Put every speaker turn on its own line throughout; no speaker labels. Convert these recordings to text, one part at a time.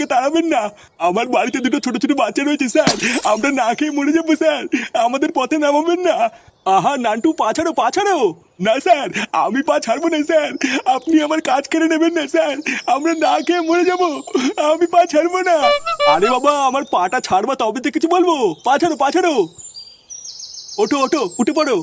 আমাকে তাড়াবেন না। আমার বাড়িতে দুটো ছোট ছোট বাচ্চা রয়েছে স্যার, আমরা না খেয়ে মরে যাবো স্যার, আমাদের পথে নামাবেন না। আহা নান্টু, পা ছাড়ো পা ছাড়ো। না স্যার, আমি পা ছাড়বো না স্যার, আপনি আমার কাজ কেড়ে নেবেন না স্যার, আমরা না খেয়ে মরে যাবো, আমি পা ছাড়বো না। আরে বাবা, আমার পাটা ছাড়বা তবে তো কিছু বলবো। পা ছাড়ো পা ছাড়ো। ওঠো ওঠো, উঠে পড়ো।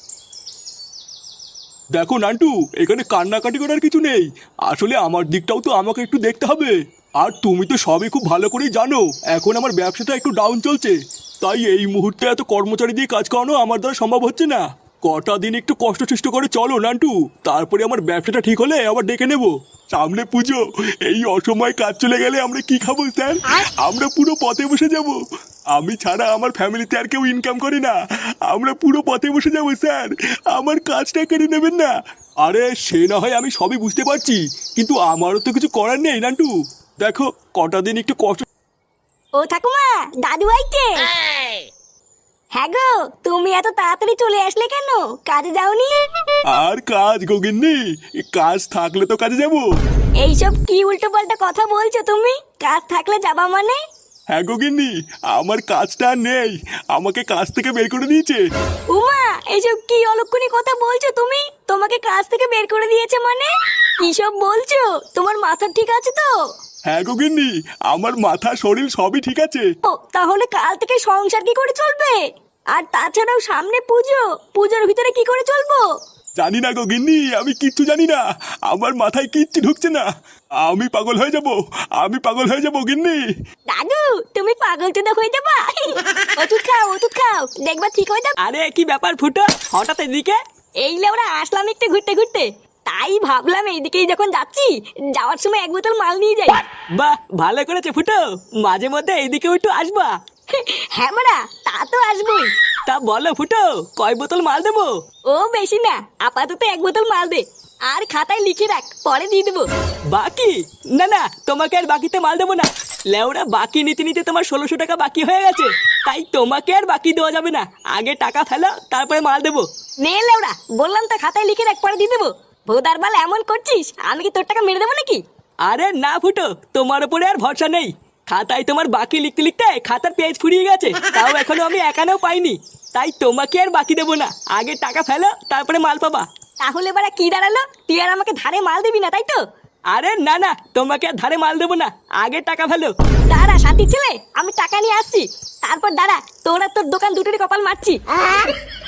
দেখো নান্টু, এখানে কান্নাকাটি করার কিছু নেই। আসলে আমার দিকটাও তো আমাকে একটু দেখতে হবে। আর তুমি তো সবই খুব ভালো করেই জানো এখন আমার ব্যবসাটা একটু ডাউন চলছে, তাই এই মুহূর্তে এত কর্মচারী দিয়ে কাজ করানো আমার দ্বারা সম্ভব হচ্ছে না। কটা দিন একটু কষ্ট সৃষ্ট করে চলো নান্টু, তারপরে আমার ব্যবসাটা ঠিক হলে আবার ডেকে নেব। সামনে পুজো, এই অসময়ে কাজ চলে গেলে আমরা কি খাবো স্যার? আমরা পুরো পথে বসে যাব। আমি ছাড়া আমার ফ্যামিলিতে আর কেউ ইনকাম করে না, আমরা পুরো পথে বসে যাবো স্যার, আমার কাজটা কেড়ে নেবেন না। আরে সে না হয় আমি সবই বুঝতে পারছি, কিন্তু আমারও তো কিছু করার নেই নান্টু। দেখো কটা দিন একটু কষ্ট।
ও ঠাকুমা, দাদু আইতে। হ্যাঁ গো, তুমি এত তাড়াতাড়ি চলে আসলে কেন? কাজে যাওনি?
আর কাজ গগিন্নি, কাজ থাকলে তো কাজে যাব।
এইসব কি উল্টো পাল্টা কথা বলছো তুমি? কাজ থাকলে যাবা মানে?
হ্যাঁ গগিন্নি, আমার কাজটা আর নেই, আমাকে কাজ থেকে বের করে দিয়েছে।
উমা, এইসব কি অলক্ষণী কথা বলছো তুমি? তোমাকে কাজ থেকে বের করে দিয়েছে মানে? কি সব বলছো? তোমার মাথা ঠিক আছে তো?
হ্যাঁ গগিন্নি, আমার মাথা শরীর সবই ঠিক আছে।
ও, তাহলে কাল থেকে সংসার কি করে চলবে? আর তাছাড়াও সামনে পুজো, পুজোর ভিতরে কি করে চলবো?
জানি না গগিন্নি, আমি কিচ্ছু জানি না, আমার মাথায় কিচ্ছু ঢুকছে না, আমি পাগল হয়ে যাব, আমি পাগল হয়ে যাব গিন্নি।
দাদু, তুমি পাগল চোদা হয়ে যাবা। ওষুধ খাও ওষুধ খাও, দেখবা ঠিক হয়ে যাবে।
আরে কি ব্যাপার ফুটো, হঠাৎ এদিকে?
এই লেওরা আসলাম একটু ঘুরতে ঘুরতে, তাই ভাবলাম এইদিকেই যখন যাচ্ছি, যাওয়ার সময় এক বোতল মাল নিয়ে যাই।
বাহ, ভালো করেছে ফুটো, মাঝে মধ্যে এইদিকেও একটু আসবা।
হ্যাঁ মারা, তা তো আসবোই।
তা বলো ফুটো, কয় বোতল মাল দেবো?
ও বেশি না, আপাতত এক বোতল মাল দে, আর খাতায় লিখে রাখ, পরে দিয়ে দেবো।
বাকি? না না, তোমাকে আর বাকিতে মাল দেবো না। লেওরা, বাকি নিতে নিতে তোমার 1600 টাকা বাকি হয়ে গেছে, তাই তোমাকে আর বাকি দেওয়া যাবে না। আগে টাকা ফেলো, তারপরে মাল দেবো।
নে লেওরা, বললাম তো খাতায় লিখে রাখ, পরে দিয়ে দেবো। ভোদার বাল এমন করছিস, আমি কি তোর টাকা মেরে দেবো নাকি?
আরে না ফুটো, তোমার উপরে আর ভরসা নেই। খাতায় তোমার বাকি লিখতে লিখতে খাতার পেজ ফুরিয়ে গেছে, তাও এখনো আমি একানেও পাইনি, তাই তোমাকে আর বাকি দেবো না। আগে টাকা ফেলো, তারপরে মাল পাবা।
তাহলে এবার কি দাঁড়ালো? তুই আর আমাকে ধারে মাল দিবি না, তাই তো?
আরে না না, তোমাকে আর ধারে মাল দেবো না, আগে টাকা ফেলো।
দাঁড়া সাথী ছেলে, আমি টাকা নিয়ে আসছি, তারপর দাঁড়া, তোর আর তোর দোকান দুটোরই কপাল মারছি।